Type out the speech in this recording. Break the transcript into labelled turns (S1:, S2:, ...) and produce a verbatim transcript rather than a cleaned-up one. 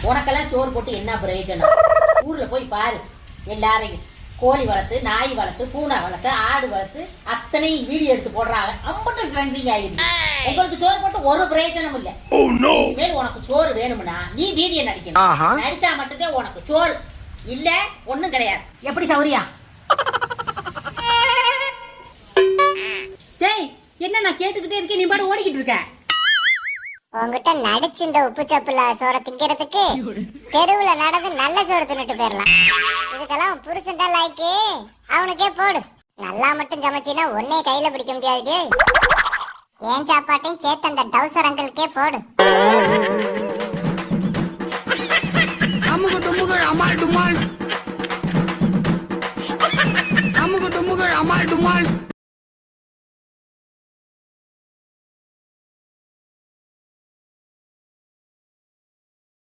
S1: உனக்கெல்லாம் சோறு போட்டு என்ன பிரயோஜனம்? ஊர்ல போய் பாரு, எல்லாரையும் கோழி வளர்த்து, நாய் வளர்த்து, பூனை வளர்த்து, ஆடு வளர்த்து அத்தனை வீடியோ எடுத்து போடுறாங்க. அம்பட்டு ட்ரெண்டிங் ஆயிருக்கு. உங்களுக்கு சோறு போட்டு ஒரு பிரயோஜனம் இல்ல. இனிமேல் உனக்கு சோறு வேணும்னா நீ வீடியோ நடிக்கணும். நடிச்சா மட்டும்தான் உனக்கு சோறு, இல்ல ஒண்ணும் கிடையாது. எப்படி சௌரியா? டேய், என்ன நான் கேட்டுக்கிட்டே இருக்கேன், நீ பாட்டு ஓடிக்கிட்டு இருக்க.
S2: உங்ககிட்ட நடிச்சு இந்த உப்பு சப்புல சோற திங்கிறதுக்கு தெருவுல நடந்து நல்ல சோறு தின்னுட்டு போயிடலாம். இதுக்கெல்லாம் புருஷன் தான் லாய்க்கு, அவனுக்கே போடு. நல்லா மட்டும் சமைச்சினா ஒன்னே கையில பிடிக்க முடியாது. ஏன் சாப்பாட்டையும் சேர்த்து அந்த டவுசர் அங்கிள்கே போடு.
S3: அம்முக்கு டும்முக்கு அம்மாள் டும்மாள்.